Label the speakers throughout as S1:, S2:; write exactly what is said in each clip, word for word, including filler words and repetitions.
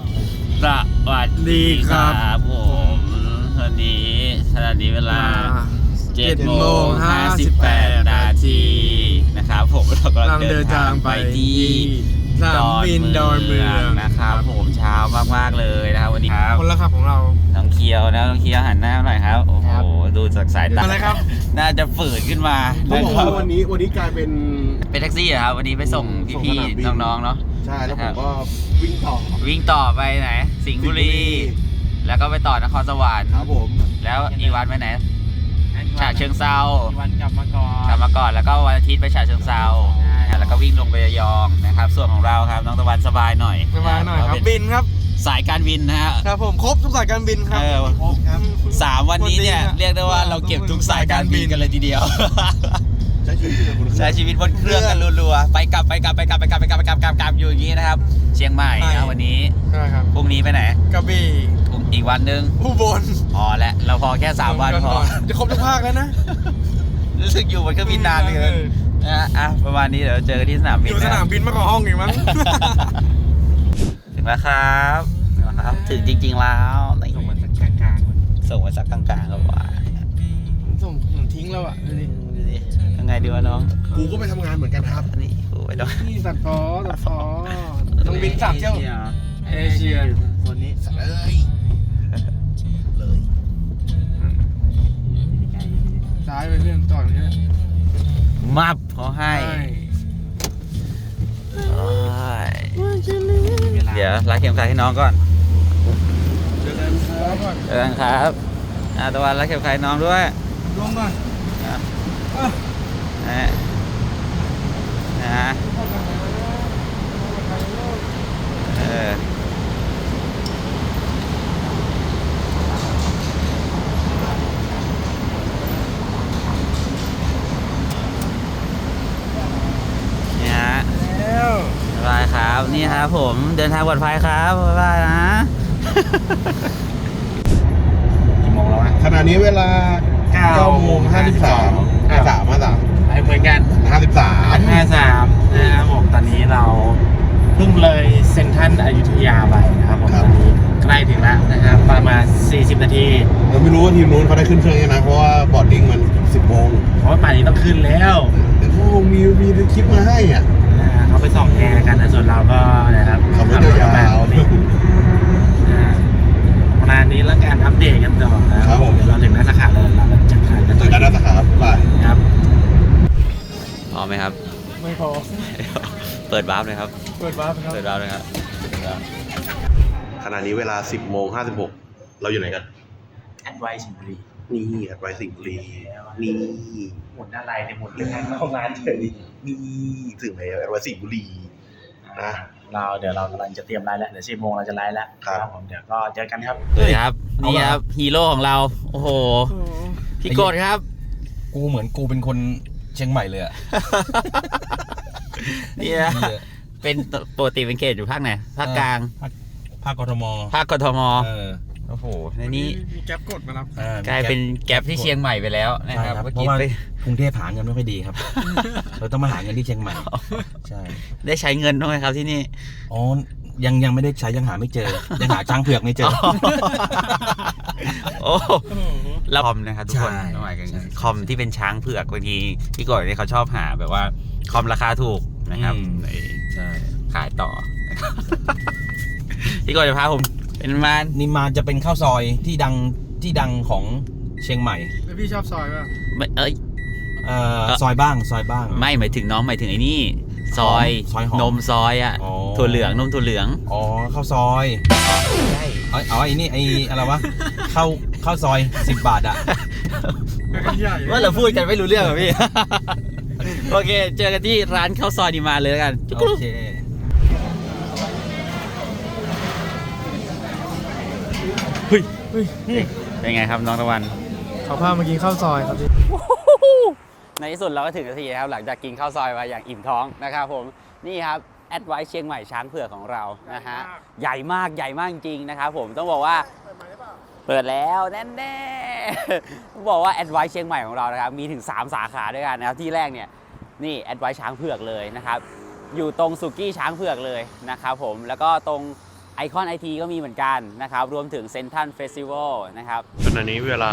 S1: สวัสดีครับผมวันนี้ขณะนี้เวลาเจ็ดโมงห้าสิบแปดนาทีนะครับผมเรากำลังเดินทางไปที่
S2: สนามบินดอนเมือง
S1: นะครับผมเช้ามากๆเลยนะครับวันนี้ครับ
S2: คนละขับของเรา
S1: น้องเคียวนะน้องเคียวหันหน้าหน่อยครับโอ้โหดูจากสายตา
S2: อะไรครับ
S1: น่าจะฝืดขึ้นมา
S3: เขาบอกว่าวันนี้วันนี้กลายเป็น
S1: เป็นแท็กซี่ครับวันนี้ไปส่งพี่ๆน้องๆเนาะ
S3: ใช่แล้วผมก็วิ่งต่อ
S1: วิ่งต่อไปไหนสิงห์บุรีแล้วก็ไปต่อนครสวรรค์
S3: ครับผม
S1: แล้วอีวันไปไหนฉะเชิงเซา
S2: อีวันกลับมาก่อน
S1: กลับมาก่อนแล้วก็วันอาทิตย์ไปฉะเชิงเซาแล้วก็วิ่งลงไประยองนะครับส่วนของเราครับน้องตะวันสบายหน่อย
S2: สบายหน่อยครับบินครับ
S1: สายการบินนะฮะ
S2: ครับผมครบทุกสายการบินครับ
S1: ครบครับสามวันนี้เนี่ยเรียกได้ว่าเราเก็บทุกสายการบินกันเลยทีเดียว
S3: ใช้ชีวิต
S1: ใช้ชีวิตบนเครื่องกันรัวๆไปกลับไปกลับไปกลับไปกลับไปกลับไปกลับกลับอยู่อย่างนี้นะครับเชียงใหม่นะวันนี้
S2: ใช่ครับ
S1: พรุ่งนี้ไปไหน
S2: กระบี่
S1: อีกวันนึง
S2: อุบล
S1: พอแล้วเราพอแค่สามวันพอ
S2: จะครบทุกภาคแล้วนะ
S1: รู้สึกอยู่บนเครื่องบินนานเลยนะอ่ะประมาณนี้เดี๋ยวเจอกันที่สนามบิน
S2: อยู่สนามบินมากกว่าห้องอีกมั้ง
S1: ถึงแล้วครับนะครับถึงจริงๆแล้ว
S2: ส่งมาสักกลาง
S1: ๆส่งมาสักกลางๆครับว่า
S2: ส่งทิ้งแล้วอ่ะ
S1: ยังไงดีวะน้อง
S3: กูก็ไปทำงานเหมือนกันครับ
S1: นี่กูไปด้วย
S2: นี่ตัดฟอตัดฟอต้องบินสามเที่ยวเอเชีย
S3: คนนี้เลยเลย
S2: ซ้ายไปเพื่อนต่ออย่างนี้
S1: มับเขาให้เดี๋ยวรัดเข็มขัดให้น้องก่อน
S2: เจอกันครับ
S1: เจอกันครับอ่าตะวันรัดเข็มขัดให้น้องด้วย
S2: ลงก่อน
S1: นะนะเออนี่ฮะบ๊ายบายครับนี่ครับผมเดินทางปลอดภัยครับบ๊ายบายนะ
S3: กี่โมงแล้ววะขณะนี้เวลาเก้าโมงห้าสิบสามห้าสามห้าสาม
S2: เหมือนกัน
S3: ห้าสิบสาม
S2: ห้าสามนะครับผมตอนนี้เราเพิ่งเลยเซ็นทรัลอยุธยาไปนะครับผมตอนนี้ใกล้ถึงแล้วนะครับประมาณสี่สิบนาที
S3: เราไม่รู้ว่าทีมนู้นเขาได้ขึ้นเครื่องยังนะเพราะว่าบอร์ดดิ้งมันสิบโมง
S2: เพราะว่าป่านนี้ต้องขึ้นแล้ว
S3: แต่เขามีมีคลิปมาให้อ่ะ
S2: เขาไปส่องแอร์กันส่วนเราก็นะครับ
S3: ขับรถยาว
S2: ประมาณนี้แล้วการอัปเดตกันต่อนะครับเดี๋ยวเราถึงหน้าสาขาแล้วเราจัดการกัน
S3: ต่อหน้าสาขาไป
S2: ครับ
S1: พอไหมครับ
S2: ไม่พอ
S1: เปิดวาร์ปเลยครับ
S2: เปิดวาร์ปครับ
S1: เปิดวาร์ปเลยครับ
S3: ขณะนี้เวลาสิบโมงห้าสิบหกเราอยู่ไหนกัน
S2: แอดไวสิงห์บุรี
S3: นี่แอดไวสิงห์บุรีนี่
S2: หมุนอะไรเนี่ยหมุนเรื่องเข้างานเฉย
S3: นี่ถึงไหนแอดไวสิงห์บุรีนะ
S2: เราเดี๋ยวเรากำลังจะเตรียมไลฟ์แล้วเดี๋ยวสิบโมงเราจะไลฟ์แล้วครับผมเดี๋ยวก็เจอกันครับ
S1: เฮ้ยครับนี่ครับฮีโร่ของเราโอ้โหพี่โกดครับ
S4: กูเหมือนกูเป็นคนเชียงใหม่เลยอ่ะ
S1: นี่นะเป็นปกติเป็นเขตอยู่ภาคไหนภาคกลาง
S4: ภาคกทม
S1: ภาคกทมโอ้โหในนี้
S2: มีแก๊ปกดมารับ
S1: กลายเป็นแก๊ปที่เชียงใหม่ไปแล้วนะครับ
S4: เพราะว่ากรุงเทพหาเงินไม่ค่อยดีครับเราต้องมาหาเงินที่เชียงใหม่ใช่
S1: ได้ใช้เงินด้วยครับที่นี่
S4: อ๋อยังยังไม่ได้ใช้ยังหาไม่เจอยังหาช้างเผือกไม่เจอ
S1: โอ้แล้วคอมนะครับทุกคนหมายถึงคอมที่เป็นช้างเผือกบางทีพี่ก่อนเนี่ยเขาชอบหาแบบว่าคอมราคาถูกนะครับ
S4: ใช่
S1: ขายต่อพี่ก่อนจะพาผมเป็นมาน
S4: นิมานจะเป็นข้าวซอยที่ดังที่ดังของเชียงใหม่
S2: แล้วพี่ชอบซอยป่ะ
S1: ไม่เอ้ย
S4: เอ่อซอยบ้างซอยบ้าง
S1: ไม่หมายถึงน้องหมายถึงไอ้นี่ซอยนมซอยอ่ะถั่วเหลืองนมถั่วเหลือง
S4: อ๋อข้าวซอย
S1: ใช่
S4: อ๋อไอ้นี่ไอ้อะไรวะข้าวข้าวซอยสิบบาทอ่ะ
S1: ว่าเราพูดกันไม่รู้เรื่องอ่ะพี่โอเคเจอกันที่ร้านข้าวซอยนิมานเลยกัน
S4: โอเค
S1: เฮ้ยเป็นไงครับน้องตะวัน
S2: เขาพามากินข้าวซอยครับพี่
S1: ในที่สุดเราก็ถึงนาทีนะครับหลังจากกินข้าวซอยมาอย่างอิ่มท้องนะครับผมนี่ครับแอดไวซ์เชียงใหม่ช้างเผือกของเรานะฮะใหญ่มากใหญ่มากจริงนะครับผมต้องบอกว่าเปิดแล้วแน่ๆต้องบอกว่าแอดไวซ์เชียงใหม่ของเรานะครับมีถึงสามสาขาด้วยกันนะครับที่แรกเนี่ยนี่แอดไวซ์ช้างเผือกเลยนะครับอยู่ตรงสุกี้ช้างเผือกเลยนะครับผมแล้วก็ตรงไอคอนไอทีก็มีเหมือนกันนะครับรวมถึงเซนทรัลเฟสติวัลนะครับ
S3: ขณะนี้เวลา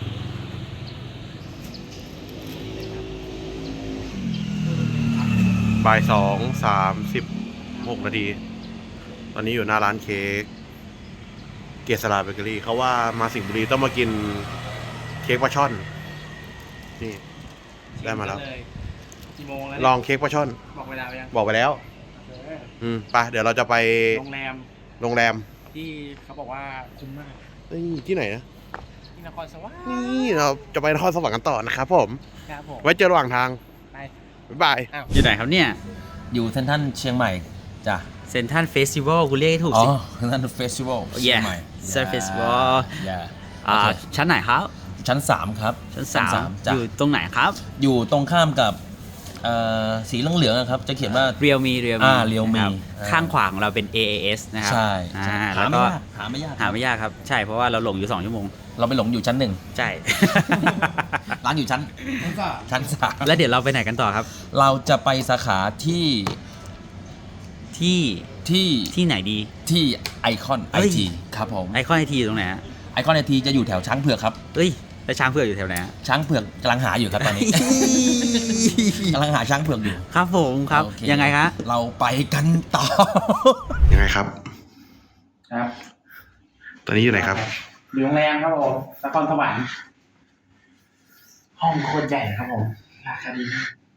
S3: บ่ายสองสามสิบหกนาที ตอนนี้อยู่หน้าร้านเค้กเกษราเบเกอรี่เขาว่ามาสิงห์บุรีต้องมากินเค้กปลาช่อน นี่ ได้มาแล้ว
S2: กี่โมงแล้ว
S3: ลองเค้กปลาช่อน
S2: บอกเวลาไปยัง
S3: บอกไปแล้ว อืมไปเดี๋ยวเราจะไป
S2: โรงแรม
S3: โรงแรม
S2: ที่เขาบอกว่าคุ้มมาก
S3: เอ้ยที่ไหนนะ
S2: ที่นครสวรรค์
S3: นี่เราจะไปนครสวรรค์กันต่อนะครับผม
S2: ครับผม
S3: ไว้เจอระหว่างทาง
S2: ไป
S3: บ๊ายบาย
S1: อยู่ไหนครับเนี่ย
S4: อยู่เซนทรัลเชียงใหม่จ้ะ
S1: เซนทรัลเฟสติวัลคุณเรียกให้ถูก
S4: อ๋อ
S1: สิ
S4: เซนทรัลเฟสติวัลเชียงใหม่
S1: เซนทรัลเฟสติวัล
S4: อย่า
S1: อ่าชั้นไหนครับ
S4: ชั้นสามครับ
S1: ชั้นสาม
S4: จ้ะ
S1: อยู่ตรงไหนครับ
S4: อยู่ตรงข้ามกับเอ่อสีเหลืองๆอะครับ จะเขียนว่า
S1: เรียวมีเรียวมี
S4: อ่า Realme
S1: นะครับ
S4: อ่า
S1: ข้างขวาของเราเป็น เอ เอ เอส นะครับ
S4: ใช่
S1: อ่า
S4: ใช่หา
S1: แล้ว
S4: ไม่
S1: ก็
S4: ยากหาไม่ยาก
S1: หาไม่ยากครับ ใช่เพราะว่าเราหลงอยู่สองชั่วโมง
S4: เราไปหลงอยู่ชั้นหนึ่ง
S1: ใช่
S4: ร้านอยู่ชั้นชั้นสาม
S1: แล้วเดี๋ยวเราไปไหนกันต่อครับ
S4: เราจะไปสาขาที่
S1: ที่
S4: ที่
S1: ที่ไหนดี
S4: ที่ไอคอนไอ
S1: เฮ้ย
S4: ทีครับผม
S1: ไอคอนไอทีอยู่ตรงไหนฮะ
S4: ไอคอนไอทีจะอยู่แถวช้างเผือกครับ
S1: เอ้ยแล้วช้างเผือกอยู่แถวไหนฮะ
S4: ช้างเผือกกำลังหาอยู่ครับตอนนี้ กำลังหาช้างเผือกอยู่
S1: ครับผมครับ
S4: โอเค
S1: ยังไงคะ
S4: เราไปกันต่อ
S3: ยังไงครับ
S2: ครับ
S3: ตอนนี้อยู่ไหนครับ
S2: อยู่โรงแรมครับผมนครสวรรค์ห้องโคตรใหญ่ครับผมราคาดี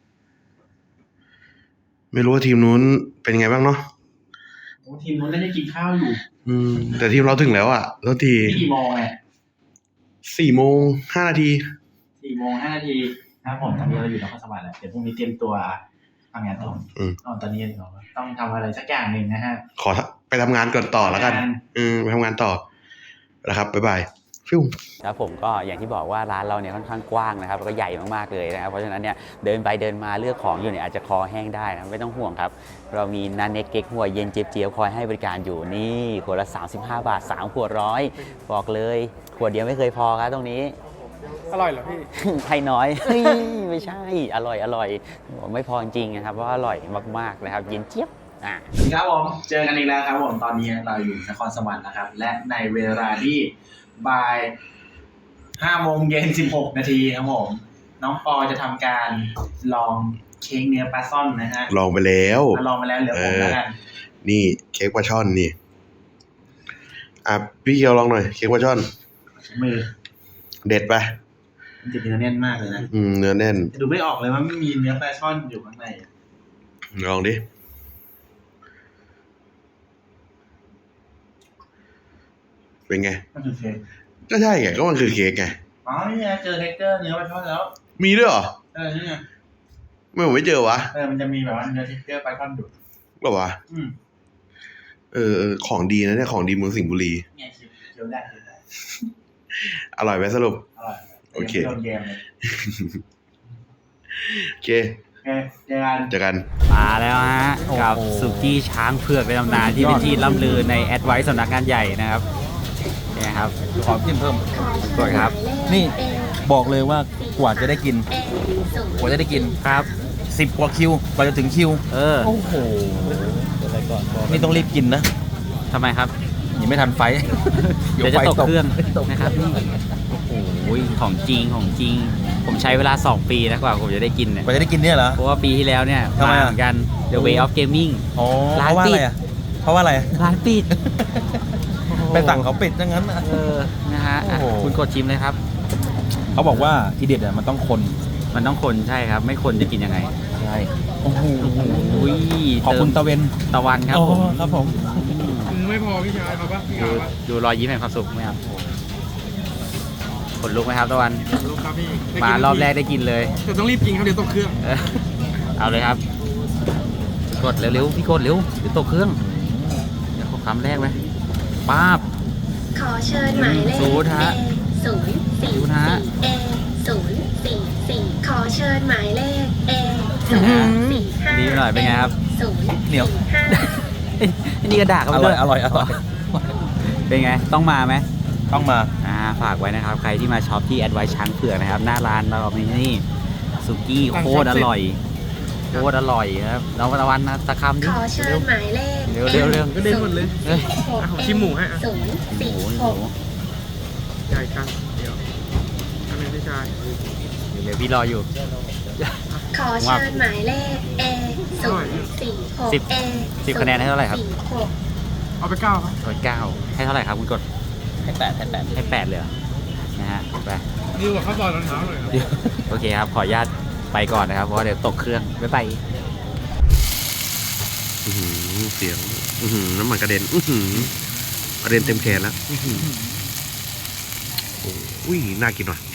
S3: ไม่รู้ว่าทีมนู้นเป็นไงบ้างเนาะ
S2: โอ้ทีมนู้นน่าจะกินข้าวอยู่
S3: อืม แต่ทีมเราถึงแล้วอ่ะแล้วที
S2: นี่กี่โมงไง
S3: สี่โมงห้านาที
S2: สี่โมงห้านาทีครับผมตอนนี้เราอยู่นครสวรรค์แล้วเดี๋ยวพรุ่งนี้เตรียมตัวทำงานต่อ
S3: อืม
S2: อ๋อตอนนี้เราต้องทำอะไรสักอย่างหนึ่งนะฮะ
S3: ขอไปทำงานก่อนต่อแล้วกัน
S2: ทำงาน
S3: อืมไปทำงานต่อนะครับบ๊ายบายฟิว
S1: ครับผมก็อย่างที่บอกว่าร้านเราเนี่ยค่อนข้างกว้างนะครับแล้วก็ใหญ่มากๆเลยนะครับเพราะฉะนั้นเนี่ยเดินไปเดินมาเลือกของอยู่เนี่ยอาจจะคอแห้งได้นะไม่ต้องห่วงครับเรามีนันเน็กเก๊กหัวเย็นเจี๊ยบเจี๊ยบคอยให้บริการอยู่นี่ขวดละสามสิบห้าบาทสามขวดร้อยบอกเลยขวดเดียวไม่เคยพอครับตรงนี้
S2: อร่อยเหรอพี่
S1: ให้น้อย เฮ้ยไม่ใช่อร่อยอร่อยบอกไม่พอจริงๆนะครับเพราะว่าอร่อยมากๆนะครับเย็นเจี๊ยบอ่ะ
S2: สวัสดีครับผมเจอกันอีกแล้วครับผมตอนนี้เราอยู่นครสวรรค์นะครับและในเวลาที่บ่ายห้าโมงเย็นสิบหกนาทีครับผมน้องปอจะทำการลองเค้กเนื้อปลาซ่อนนะฮะ
S3: ลองไปแล้ว
S2: มาลองไปแล้วเหลือผมแล้วกัน
S3: นี่เค้กปลาช่อนนี่อ่ะพี่เคียวลองหน่อยเค้กปลาช่อน
S2: มือ
S3: เด็ดไป
S2: มันจะเนื้อแน่นมากเลยนะ
S3: อืมเนื้อแน่น
S2: ดูไม่ออกเลยว่าไม่มีเนื้อปลาช่อนอยู่ข้างใน
S3: ลองดิเป็นไง
S2: มันคือเค้ก
S3: ก็ใช่ไงก็มันคือเค้กไง
S2: อ๋อนี่ไงเจอเท็กเจอร์เนื้อปลาช่อนแล้ว
S3: มีด้วยเหรอ
S2: เออนี่ไง
S3: ไม่ผมไม่เจอวะ
S2: เออมันจะมีแบบว่าเนื้อเท็กเจอร์ปลาช่อนอยู่
S3: หรอวะ
S2: อืม
S3: เออเออของดีนะเนี่ยของดีเมืองสิงห์บุรี
S2: เนี่ยเคี้ยวได้เคี้ยวได้
S3: อร่อยไหมสรุป
S2: อร่อย
S3: โอเค
S2: โดนแยมเลย
S3: โอเค
S2: โอเคเจอกัน
S3: เจอกัน
S1: มาแล้วฮะ
S4: โอ้โห
S1: กับสุกี้ช้างเผือกในตำนานที่เป็นที่ล่ำลือในแอดไวซ์สำนักงานใหญ่นะครับนี่ครับ
S4: ขอจิ้มเพิ่ม
S1: กดครับ
S4: นี่บอกเลยว่ากว่าจะได้กิน กว่าจะได้กิน
S1: ครับ
S4: สิบกว่าคิว กว่าจะถึงคิว
S1: เออ
S4: โอ้โห นี่ต้องรีบกินนะ
S1: ทำไมครับ
S4: ยังไม่ทันไฟ
S1: เดี๋ยวจะตกเครื่องนะครับนี่โอ้ยของจริงของจริง ผมใช้เวลาสองปีนะกว่าผมจะได้กินเนี่ย
S4: กว่าจะได้กินเนี่ยเหรอ
S1: เพราะว่าปีที่แล้วเนี่ย
S4: ทำไม
S1: มา
S4: อ่ะ
S1: เหมือนกัน The Way of Gaming
S4: อ๋อ
S1: ร้าน
S4: เพราะว่า
S1: ปิ
S4: อะ
S1: ด
S4: ไรอ่ะ เพราะว่าอะไร
S1: ร้านปิด
S4: ไปสั่งเขาปิดดังนั้นอะ
S1: เออนะฮะอ่ะ
S4: โอ้โห
S1: คุณกดชิมเลยครับ
S4: เขาบอกว่าทีเด็ดอ่ะมันต้องคน
S1: มันต้องคนใช่ครับ ไม่คนจะกินยังไง
S4: ใช่ โอ้โห
S1: อุ้ย
S4: ขอบคุณ
S1: เติม
S4: ตะเวน
S1: ตะวันครับผม
S4: อ๋อครับผม
S2: ไม่พอพี่ชายมาปะพี่
S1: ดู
S2: ขาวปะ
S1: ดูรอยยิ้มแห่งความสุขไหมครับขนลุกไหมครับตะวัน
S2: ลูกครับพี่
S1: มารอบแรกได้กินเลย
S2: แต่ต้องรีบกินครับเดี๋ยวตกเครื่อง
S1: เออเอาเลยครับ กดเร็วๆพี่กดเร็วเดี๋ยวตกเครื่องเดี๋ยวขอคำแรกไหมป้าบ
S5: ขอเชิญหมายเลข
S1: ศูนย์ฮะ
S5: A ศูนย์สี่
S1: ศูนย์ฮะ
S5: สี่ A ศูนย์สี่สี่ขอเชิญหมายเลข A ศูนย์สี่ห้า
S1: ดีหน่อยเป็นไงครับ
S5: ศูนย์
S4: เหนียว
S5: สี่ห้า
S1: อันนี้ก็ด่าเขา
S4: อ
S1: ไป
S4: ร่
S1: ด้
S4: อ
S1: วย ย
S4: อร่อย อร่อย
S1: เป็นไง ต้องมาไหม
S4: ต้องมา
S1: อ่าฝากไว้นะครับ ใครที่มาช็อปที่แอดไวช้างเผือกนะครับ หน้าร้านเรามีนี่สุกี้โคตรอร่อยโคตรอร่อยครับน้องตะวันนะตะคำดิ
S5: ขอเชิ
S1: เร็
S5: ญ
S1: ว
S5: หมายเลข
S1: เร็วเร็วเร็ว
S6: ก็เด่นหมดเลย
S1: เฮ้ย
S6: อ่ะผมชิมหมูให้อ่ะ
S5: ศูนย์
S1: หมู
S5: สี่
S1: ห
S5: ห
S1: มู
S5: ก
S6: ใหญ่กันเดี๋ยวอันนี้พี่ชาย
S1: เดี๋ยวพี่รออยู่
S5: ขอเชิญหมายเลข A ศูนย์สี่หก
S1: สิบ
S5: A
S1: สิบคะแนนให้เท่าไหร่ครับ
S5: สี่หก
S6: เอาไปเก้าครับ
S1: ร้อยเก้าให้เท่าไหร่ครับคุณกด
S4: ให้แปดให้แปด
S1: ให้แปดเลยเหรอนะฮะไป
S6: ดีกว่าข้าวซอยตอนเช้าหน่อยครับ
S1: โอเคครับ ขออนุญาตไปก่อนนะครับ เพราะว่าเดี๋ยวตกเครื่องบ๊ายบาย
S3: อื้อหือเสียงอื้อหือน้ำมันกระเด็นอื้อหือกระเด็นเต็มแขนแล้วอื้อหือโอ้อุ้ยน่ากินว่ะ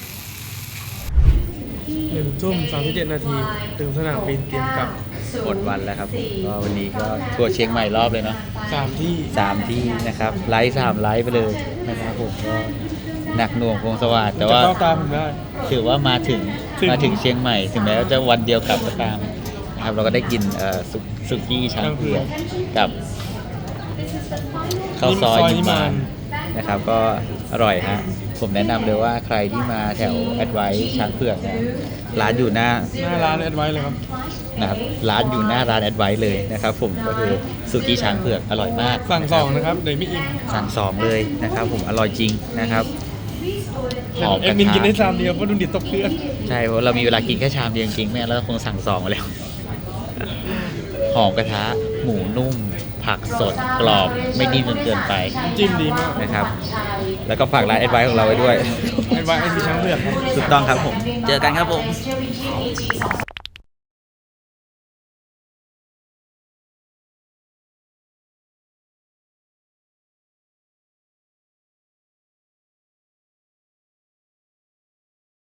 S6: หนึ่งทุ่มสามสิบเจ็ดนาทีถึงสนามบินเตรียมกลับ
S1: หมดวันแล้วครับผมก็วันนี้ก็ทัวร์เชียงใหม่รอบเลยเนาะ
S6: สามที่
S1: สามที่นะครับไลฟ์สามไลฟ์ไปเลยนะครับผมก็หนักหน่วงพงสวัสดิ์แต่ว่า
S6: จะเข้าตามผมได้
S1: ถือว่ามาถึง
S6: ถึง
S1: มาถึงเชียงใหม่ ถึงแม้ว่าจะวันเดียวกลับก็ตามนะครับเราก็ได้กินเอ่อซุกซุกี้ช้างเผือกกับข้าวซอยนิมานนะครับ ก็อร่อยฮะผมแนะนำเลยว่าใครที่มาแถวแอดไวท์ช้างเผือกนะร้านอยู่หน้า
S6: หน้าร้านแอดไว้เลยครับ
S1: นะครับร้านอยู่หน้าร้านแอดไวท์เลยนะครับผมก็คือสุกี้ช้างเผือกอร่อยมาก
S6: สั่ง
S1: นะ
S6: ส
S1: ครั
S6: อบ งนะครับเดี๋ยวไม่อิ่ม
S1: สั่งสองเลยนะครับผมอร่อยจริงนะครับหอม
S6: เอ็
S1: ก
S6: ด
S1: ระ
S6: มินกิน
S1: ทะ
S6: ได้ชามเดียวเพราะดูดิตกเครื่อง
S1: ใช่เพราะเรามีเวลากินแค่ชามเดียวจริงๆแม่แล้วคงสั่งสองมาแล้วหอมกระทะหมูนุ่ม ผักสดกรอบไม่นิ่มจนเกินไป
S6: จิ้มดีมาก
S1: นะครับ แล้วก็ฝากร้านแอดไวท์ของเราไว้ด้วย
S6: แอดไว้ไอทีช้างเผือกครับ
S1: ถูกต้องครับผม เจอกันครับผม